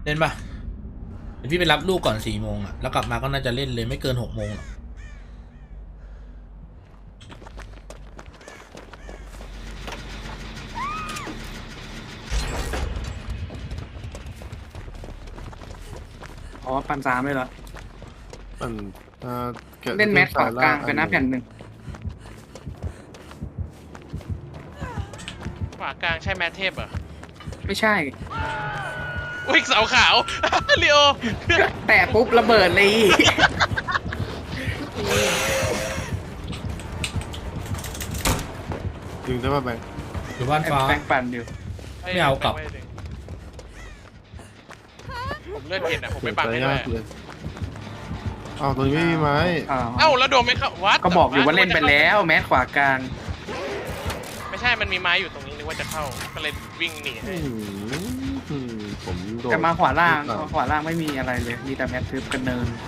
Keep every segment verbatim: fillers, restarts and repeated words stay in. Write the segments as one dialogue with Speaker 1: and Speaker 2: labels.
Speaker 1: เล่นปะเดี๋ยวพี่ไปรับลูกก่อนสี่โมงอ่ะแล้วกลับมาก็น่าจะเล่นเลยไม่เกินหกโมงหรอก
Speaker 2: อ๋อปันสามเลยเหรอ
Speaker 3: มันเอ่อแกะ
Speaker 2: เล่นแมสขวากลางไปนะแผ่นหนึ่ง
Speaker 4: ขวากลางใช่แมทเทพเหรอ
Speaker 2: ไม่ใช่
Speaker 4: อุ้ยเสาขาว ลีโอ
Speaker 2: แต่ปุ๊บระเบิดเลย
Speaker 3: จริงใช่ป่ะแบงค์
Speaker 1: อยู่บ้านฟ้า
Speaker 2: แบงค์ปั่นอยู่
Speaker 1: ไม่เอากลับ
Speaker 4: ผมเลื่อนเห็นอ่ะผมไม่บังให้ด้วย
Speaker 3: เลยอ้าวตรงนี้ไม่มีไม้
Speaker 2: อ้าว
Speaker 4: เอ้าแล้วโดนไม่เข้าวัด
Speaker 2: ก็บอกอยู่ว่าเล่นไปแล้วแมสขวากลาง
Speaker 4: ไม่ใช่มันมีไม้อยู่ตรงนี้นึกว่าจะเข้าก็เลยวิ่งหนีให้
Speaker 3: อืมอืมผมโดน
Speaker 2: แต่มาขวาล่าง
Speaker 3: อ่ะ
Speaker 2: ขวาล่างไม่มีอะไรเลย มีแต่แมสทึบกันเนิน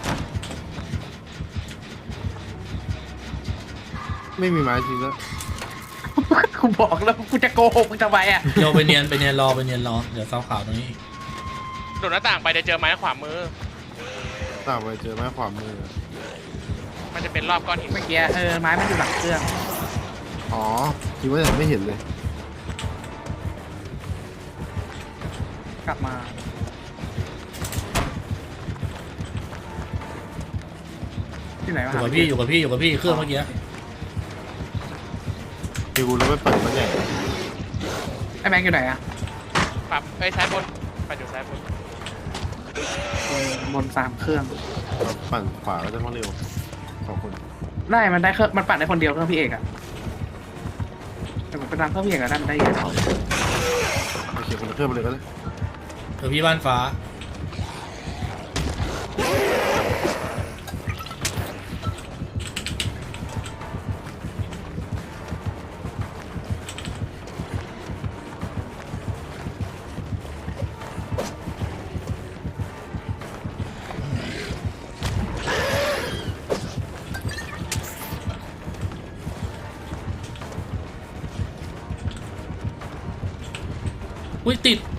Speaker 3: ไม่มีไม้จริงแล้ว
Speaker 2: กูบอกแล้วกูจะโกหกมึงทำไมอ่ะ
Speaker 1: โยไปเนียนไปเนียนรอไปเนียนรอเดี๋ยวเสาขาวตรงนี้
Speaker 4: โดดหน้าต่างไปจะเจอไม้ขวามือ
Speaker 3: ตามไปเจอไม้ขวามือ
Speaker 4: มันจะเป็นรอบก้อนหิน
Speaker 2: เมื่อกี้เออไม้มันอยู่หลังเครื่อง
Speaker 3: อ๋อคิดว่ายังไม่เห็นเลย
Speaker 2: กลับมาที่ไหน
Speaker 1: อ
Speaker 2: วะ
Speaker 1: ยู่กับพี่อยู่กับพี่อยู่กับพี่เครื่องเมื่อกี้
Speaker 3: พี่กูแล้วไม่เปิดมันใหญ่
Speaker 2: ไอ้แบงค์อยู่ไหนอ่ะ
Speaker 4: ปรับไอ้ยซ้ายบนไปอยู่ซ้ายบน
Speaker 2: บนบนสามเครื่อง
Speaker 3: ปั่นขวาก็ได้มาเร็วขอบคุณ
Speaker 2: ได้มันได้เครื่องมันปั่นได้คนเดียวเครื่องพี่เอกอ่ะแต่ผมไปตามเครื่องพี่เอกอะได้มันได้เยอะ
Speaker 3: โอเคคนละเครื่องไปเลยก็ได้
Speaker 1: เออพี่บ้านฟ้าอุ้ยติด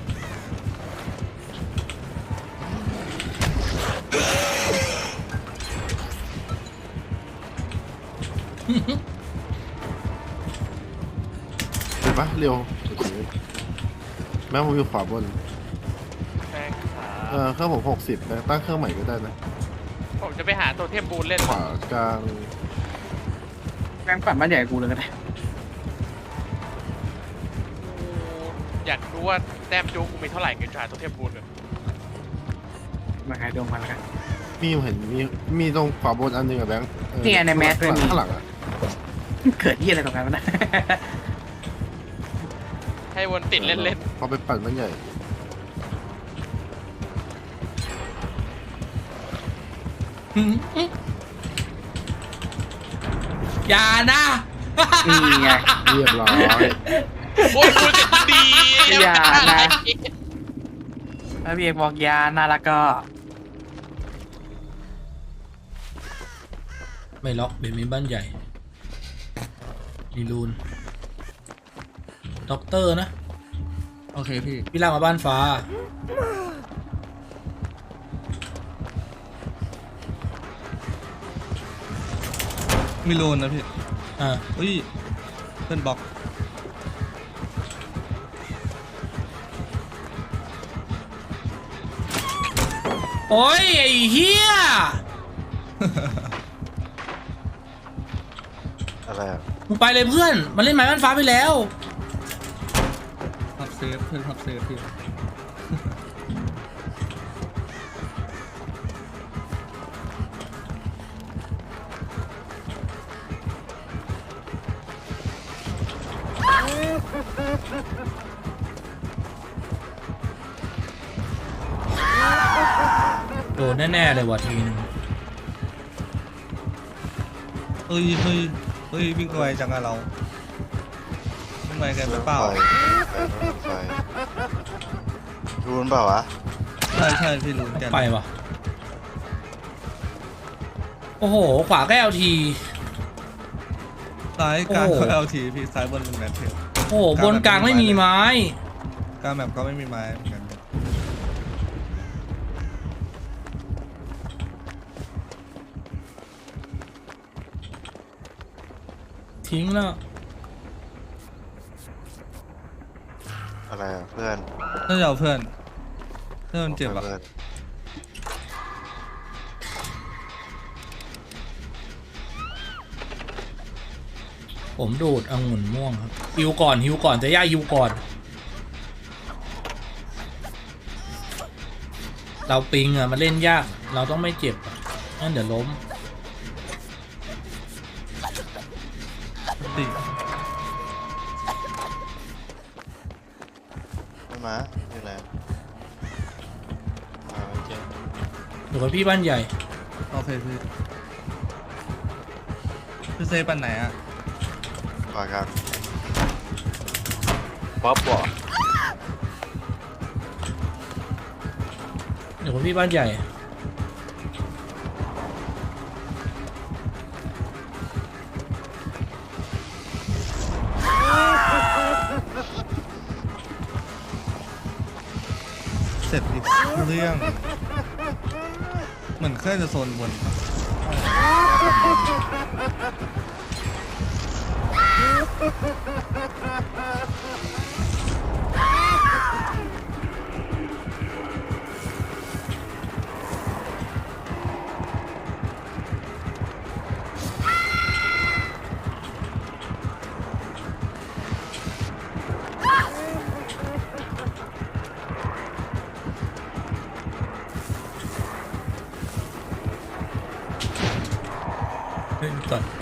Speaker 3: เห็นปะเร็วโอเคแม้ผมอยู่ขวาบน
Speaker 4: แม่งขา
Speaker 3: เออเครื่องผมหกสิบนะตั้งเครื่องใหม่ก็ได้นะ
Speaker 4: ผมจะไปหาตัวเทพบูนเล่น
Speaker 3: ขวากลาง
Speaker 2: แบงค์ปั่นบ้านใหญ่กูเลยก็ได้
Speaker 4: อยากรู้ว่าแต้มจูกูมีเท่าไหร่เกินหาตัวเทพบูนเลย
Speaker 2: มาหายดวงมันแล้วกัน
Speaker 3: มีเห็นมีมีตรงขวาบนอันหนึงอะแบงค์เออ
Speaker 2: นี่ไงในแมสด้วยมี
Speaker 3: ข้างหลังอะ
Speaker 2: เกิดที่อะไรตรงนั้นวะนะ
Speaker 4: ให้วนติดเล่น
Speaker 3: พอไปปั่นมันใหญ่
Speaker 1: อย่านะ
Speaker 2: นี่ไง
Speaker 3: เรียบร้อย
Speaker 4: ๆโอ้ยกูจะดี
Speaker 2: อย่านะ แล้วพี่เอกบอกยาน่ารักก็
Speaker 1: ไม่ล็อกเบมีบ้านใหญ่มีรูนด็อกเตอร์นะ
Speaker 5: โอเคพี่
Speaker 1: พี่ลากมาบ้านฟ้า
Speaker 5: มีโลนนะพี่
Speaker 1: อ่า
Speaker 5: อุ้ยเป็นบล็อก
Speaker 1: โอ้ยไอ้เฮีย
Speaker 3: อะไรอะ
Speaker 1: มึงไปเลยเพื่อนมันเล่นไม้บ้านฟ้าไปแล้ว
Speaker 5: พับเซฟเพื่อนพับเซฟพี่
Speaker 1: โดนแน่ๆเลยว่ะทีนึง
Speaker 5: เฮ้ยเฮ้ยเฮ้ยวิ่งไวจังอะเราวิ่งไวเกันไปเปล่า
Speaker 6: ไฟรูนเปล่าวะ
Speaker 5: ใช่ใช่พี่รู้กัน
Speaker 1: ไปว่ะโอ้โหขวาก็เอลที
Speaker 5: ซ้ายกลาง
Speaker 1: โอ้โห
Speaker 5: ก็เอลทีพี่ซ้ายบนเป็นแมทเทล
Speaker 1: โอ้โหบนกลางไม่มีไม้
Speaker 5: กลางแมปก็ไม่มีไม้เหมือนกัน
Speaker 1: ทิ้งแล้ว
Speaker 6: อะไรอ่ะเพื่อน
Speaker 5: น่าจะเอาเพื่อนเพื่อนมันเจ็บอ่ะ
Speaker 6: พื่อน
Speaker 1: ผมดูดองุ่นม่วงครับฮิวก่อนฮิวก่อนจะย่าฮิวก่อน เราปิงอ่ะมาเล่นยากเราต้องไม่เจ็บอ่ะงั้นเดี๋ยวล้ม
Speaker 5: ติ
Speaker 6: ไม่มาอยู่ไหนมาไม่เจอ
Speaker 1: อยู่กับพี่บ้านใหญ่
Speaker 5: โอเคพี่พี่เซปันไหนอ่ะ
Speaker 6: ขวาครับป๊อปบ่
Speaker 1: อยู่กับพี่บ้านใหญ่
Speaker 5: เสร็จอีกเรื่องเหมือนเครื่องจะโซนบน
Speaker 1: เล่นก่อน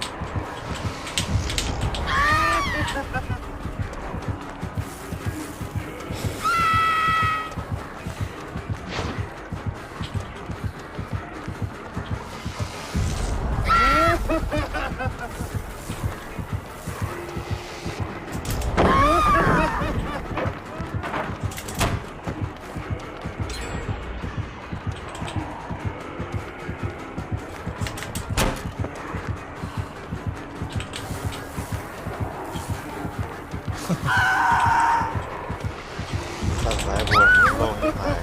Speaker 6: ตัดสายบนโล่งหาย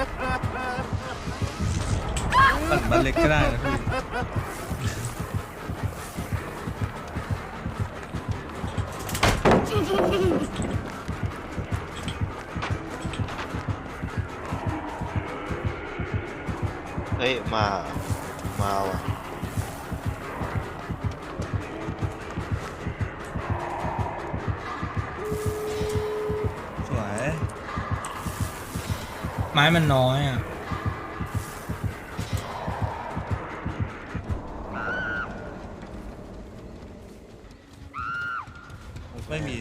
Speaker 5: ปั่นบ้านเล็กก็ได้นะพี่
Speaker 6: เฮ้ยมามาว่ะ
Speaker 5: สวย
Speaker 1: ไม้มันน้อยอ่ะ
Speaker 5: ไม่มี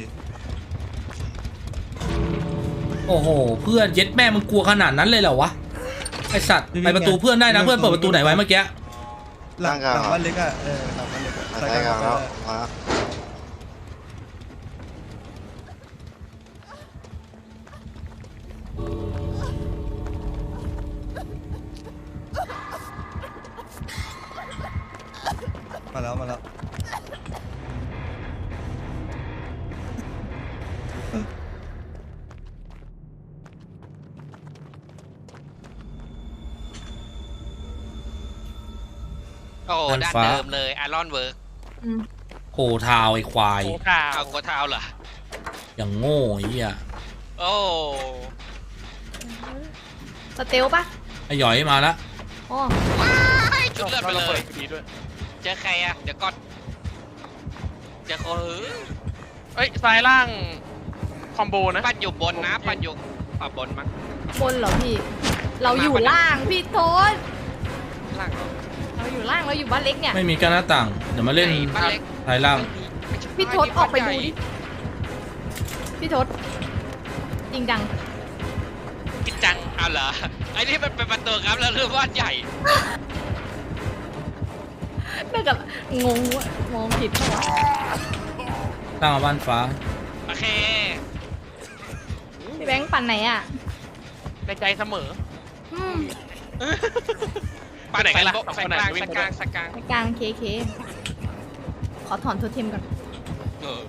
Speaker 1: โอ้โหเพื่อนเย็ดแม่มึงกลัวขนาดนั้นเลยเหรอวะไอสัตว์ไปประตูเพื่อนได้นะเพื่อนเปิดประตูไหนไว้เมื่อกี้
Speaker 5: หลังหลังบ้านเล็กอ่ะเออหลังบ้านเล็กอะ
Speaker 6: มาใช้กันแล้วมา
Speaker 5: มาแล้วมาแล้ว
Speaker 4: โอ้
Speaker 1: ด้าน
Speaker 4: ด้าน
Speaker 1: ฟ้า
Speaker 4: เดิมเลยอารอนเวิร์ก
Speaker 1: โคทาวไอควาย
Speaker 2: โอ้ข่าว
Speaker 4: เอากัวเท้าเหรอ
Speaker 1: อย่างโง่ไอ้เหี้ย
Speaker 4: โอ้
Speaker 7: สเตลปะ
Speaker 1: ไอหยอยมาละ
Speaker 7: อ๋อ
Speaker 4: จุดเลือดไปเล
Speaker 2: ปิ
Speaker 4: ย
Speaker 2: ดดีด้วย
Speaker 4: เจอใครอ่ะ เดี๋ยวก่อนเจอคน
Speaker 2: เอ้ยซ้ายล่างคอมโบนะ
Speaker 4: ปั้นอยู่บนนะปั้นอยู่อ่ะบนมั้ง
Speaker 7: บนเหรอพี่ เราอยู่ล่างพี่โทษ
Speaker 4: ล่างเหรอ
Speaker 7: เราอยู่ล่างเราอยู่บ้านเล็กเนี่ย
Speaker 1: ไม่มีการหน้าต่างเดี๋ยวมาเล่น
Speaker 4: ไหบ้านเล็ก
Speaker 1: ไทยล่าง
Speaker 4: ไม่ใช่
Speaker 7: พี่โทษออกไปดูดิ พี่โทษจริงจัง
Speaker 4: จริงจังเอาเหรอไอ้นี่มันเป็นประตูครับแล้วเรื่องบ้านใหญ่
Speaker 7: น่าจะงงว่ะมองผิดเปล่าวะ
Speaker 1: ตั้งมาบ้านฟ้า
Speaker 4: โอเค
Speaker 7: พี่แบงค์ปั่นไหนอ่ะ
Speaker 2: ในใจเสมอ
Speaker 7: อืม
Speaker 4: ปั้น
Speaker 2: ไปไหนกันล่ะ
Speaker 4: โบ
Speaker 2: สอง
Speaker 4: สั
Speaker 2: คน
Speaker 4: ก
Speaker 2: ไหน
Speaker 4: กลาง
Speaker 2: วิ่ง
Speaker 4: สัก
Speaker 2: ไป
Speaker 4: ก
Speaker 2: ด้ว
Speaker 4: ลาย งสักกลาง
Speaker 7: ในกลางเคเคขอถอนโทเทมก่อน
Speaker 4: เออ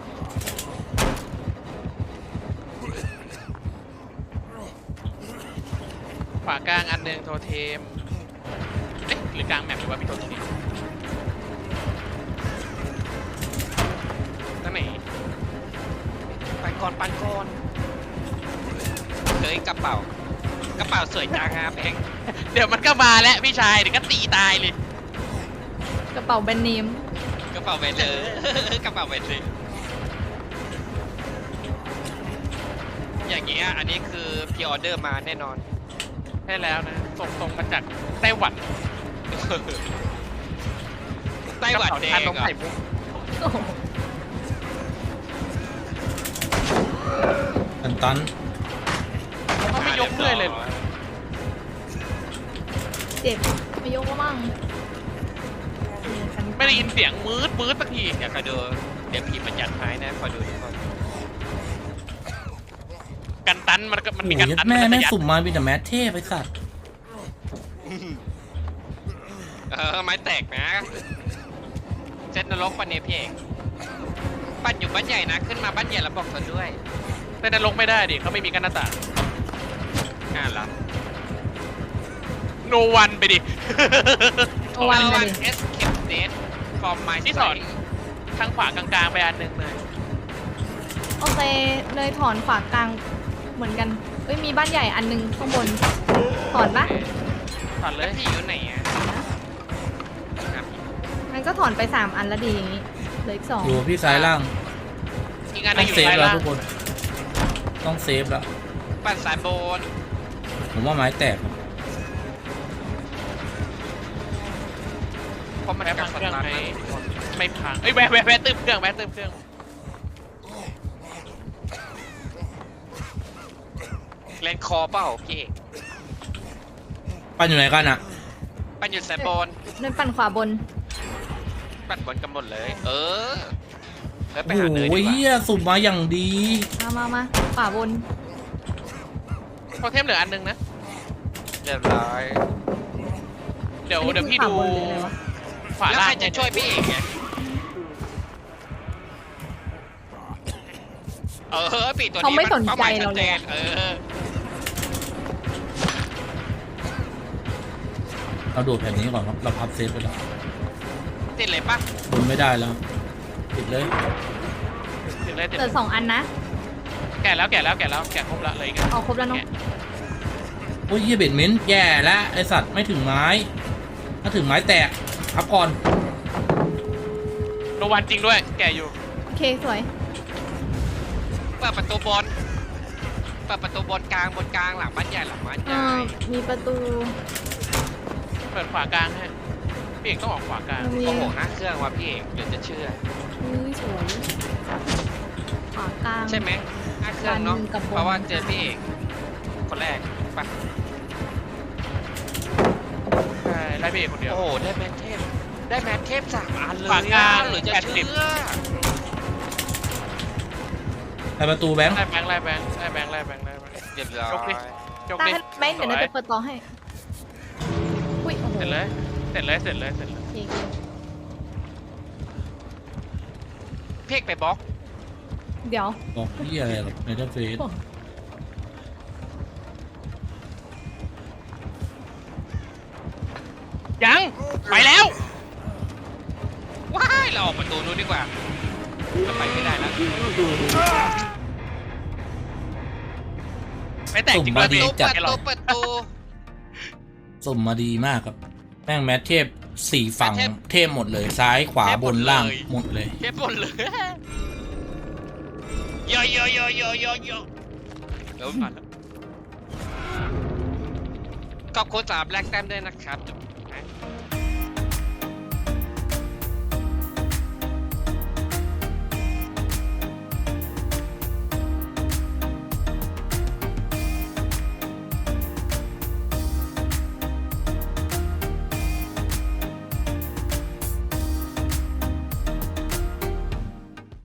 Speaker 4: ขวากลางอันหนึ่งโทเทมเอ๊ะหรือกลางแมปหรือว่ามีโทเทม
Speaker 8: ก่อนปั่นก่อนเฮ้ยกระเป๋ากระเป๋าสวยจังอะแบงค์
Speaker 4: เดี๋ยวมันก็มาแล้วพี่ชายเดี๋ยวก็ตีตายเลย
Speaker 7: กระเป๋าแบรนด์เนม
Speaker 8: กระเป๋าแบนเลยกระเป๋าแบนเลยอย่างเงี้ยอันนี้คือพรีออเดอร์มาแน่นอน
Speaker 4: ใช่แล้วนะส่งตรงมาจากไต้หวัน
Speaker 8: ไต้หวันแดง
Speaker 4: กระเป๋าชานม
Speaker 8: เหรอ
Speaker 4: ไข่มุก
Speaker 7: โอ้โห
Speaker 1: ตันตัน
Speaker 4: เขาไม่ยกเลื่อยเลยเหรอ
Speaker 7: เจ็บไม่ยกก็มั่ง
Speaker 4: ไม่ได้ยินเสียงมืดมืดสักที
Speaker 8: อยากคอยดูเดี๋ยวผีมันยัดท้ายนะคอยดูทุกคน
Speaker 4: กันตันมันก็มัน
Speaker 1: โอ้
Speaker 4: มี
Speaker 1: ย
Speaker 4: กันตัน
Speaker 1: แม่
Speaker 4: มัน
Speaker 1: แม่
Speaker 4: จะยัด
Speaker 1: สุ่มมาเป็นแต่แมทเทพไปสัตว์
Speaker 8: เออไม้แตกนะเซตนรกปันเนี่ยพี่เอกปั่นอยู่บ้านใหญ่นะขึ้นมาบ้านใหญ่แล้วบอกเธอด้วย
Speaker 4: แต่นรกไม่ได้ดิเขาไม่มีกันหน้าต่าง
Speaker 8: อ่านละ
Speaker 4: โนวันไปดิ
Speaker 7: โอวัน
Speaker 8: เอา
Speaker 7: เล
Speaker 8: วัน
Speaker 7: ย
Speaker 8: เอสเคปเดทฟอร์มไม
Speaker 4: ที่สอน ทางขวากลางๆไปอันหนึ่งเลย
Speaker 7: โอเคเลยถอนฝากลางเหมือนกันเอ้ยมีบ้านใหญ่อันนึงข้างบนถอนปะ
Speaker 4: ถอนเล
Speaker 8: แล้ว
Speaker 4: ย
Speaker 8: พี่อยู่ไหนอ่ะครับ
Speaker 7: มันก็ถอนไปสามอันแล้วดีอย่างงี้เหลืออีกสอง
Speaker 1: อยู่พี่ซ้ายล่าง
Speaker 4: อีกอันหนึ
Speaker 1: ต้อง
Speaker 4: งอยู่
Speaker 1: เซฟ
Speaker 4: ซ้าย
Speaker 1: แล้ว
Speaker 4: ล่าง
Speaker 1: ทุกคนต้องเซฟแล้ว
Speaker 8: ปั่นสายโบน
Speaker 1: ผมว่าไม้แตกครับ
Speaker 8: เพราะมัน
Speaker 4: แวะ
Speaker 8: กั
Speaker 4: พั
Speaker 8: ด
Speaker 4: ง
Speaker 8: ส
Speaker 4: เครื่อง
Speaker 8: ตาร์ท
Speaker 4: ไหม
Speaker 8: มา
Speaker 4: ไม่พังเอ้ยแวะแวะแวะตื้มเครื่องแวะตื้มเครื่อง
Speaker 8: เล่นคอเปล่าพี่เอก
Speaker 1: ปั้นอยู่ไหนกันอ่ะ
Speaker 8: ปั่นอยู่สายโบน
Speaker 7: เดินปั่นขวาบน
Speaker 8: ปั่นบนกันหมดเลย เออแล้วไป
Speaker 1: โอ้
Speaker 8: หาเนย
Speaker 1: โห
Speaker 8: ดีก
Speaker 1: เฮี
Speaker 8: ว่าย
Speaker 1: สุ่มมาอย่างดี
Speaker 7: มามามาขวาบน
Speaker 4: โทเทมเหลืออันหนึงนะ
Speaker 8: เรียบร้อย
Speaker 4: เดี๋ยว
Speaker 7: อันนี้
Speaker 4: เดี๋ยวพี่
Speaker 7: คือ
Speaker 4: ดู
Speaker 7: ขวาบนหรืออะไรวะ
Speaker 4: ขวา
Speaker 8: แล้ว
Speaker 4: ล่า
Speaker 8: ใครง จะช่วยพี่เอกไงเออปีตัวนี้
Speaker 7: เขาไม่สนใจ
Speaker 8: ป้หมย
Speaker 7: เราเลย
Speaker 8: ชัดจนเออ
Speaker 1: เราโดดแผ่นนี้ก่อนครับเราพับเซฟไปแล้ว
Speaker 8: ติดเลยปะ
Speaker 1: บนไม่ได้แล้วปิดเลย
Speaker 4: ถึงเลยถึง
Speaker 7: เหลือสองอันนะ
Speaker 4: แกะแล้วแกะแล้วแกะแล้วแกะครบละเลยอีกัน
Speaker 7: เอาครบแล้วเนาะ
Speaker 1: โอ้ยเฮียเบ็ดเม้นต์แย่แล้วไอสัตว์ไม่ถึงไม้ ถ้าถึงไม้แตกพับก่อน
Speaker 4: โนวันจริงด้วย แกะอยู่
Speaker 7: โอเคสวย
Speaker 8: เปิดประตูบนเปิดประตูบนกลางบนกลางหลังบ้านใหญ่หลังบ้านให
Speaker 7: เอ่
Speaker 8: ญ่
Speaker 7: อมีประตู
Speaker 4: เปิดขวากลางฮะพี่เอกต้องออกขวากลาง
Speaker 7: มี
Speaker 8: โอ้โหหน้าเครื่องว่ะพี่เอกเดี๋ยวจะเชื่อ
Speaker 7: อุ้ยสวยขวากลาง
Speaker 8: ใช่ไหมหน้าเครื่องเนาะ
Speaker 7: ด้านกับบน
Speaker 8: เพราะว่าเจอพี่เอกคนแรกปะ
Speaker 4: ใช่ไล่พี่เอกคนเดียว
Speaker 8: โอ้โหได้แมนเทพได้แมนเทพสามอันเลย
Speaker 4: ฝากกลาง
Speaker 8: หรือจะ
Speaker 4: แปดสิบ
Speaker 8: เชื่อ
Speaker 1: ไอประตูแบงค์
Speaker 4: ไล่แบงค์ไล่แบงค์ไล่แบงค์ไล่แบงค์ไล่แบงค์
Speaker 8: เรียบร้อย
Speaker 4: ยกดิ จบ
Speaker 7: ตา
Speaker 4: ดิ
Speaker 7: ให้แบงค์เดี๋ยวเราจะเปิดต่อให้อุ้ยโอ้โห
Speaker 4: เสร็จเลยเสร็จเลยเสร็จเลยเสร็จเลย
Speaker 7: โอเค
Speaker 8: พี่เอกไปบล็อก
Speaker 7: เดี๋ยว
Speaker 1: บอกเฮียอะไรหรอกในเทอร์เฟซ
Speaker 4: ยังไปแล้ว
Speaker 8: ว้ายเราออกประตูนู้นดีกว่าเราไปไม่ได้แล้ว
Speaker 4: ไม่แตกจริง
Speaker 1: สุ่ม
Speaker 4: ด้วย
Speaker 1: มาดี
Speaker 4: พี่
Speaker 1: จัด
Speaker 8: เปิด
Speaker 4: หร
Speaker 8: ตู
Speaker 4: อก
Speaker 8: เปิดตู
Speaker 1: สุ่มมาดีมากครับแม่งแมทเทพสี่ฝั่งเทพหมดเลยซ้ายขวาบนล่างหมดเลย
Speaker 8: เทปบนเลยโยโยโยโยโยโยเดี๋ยวผ่านแล้วขอบคุณสามแลกแต้มด้วยนะครับจุ๊บนะ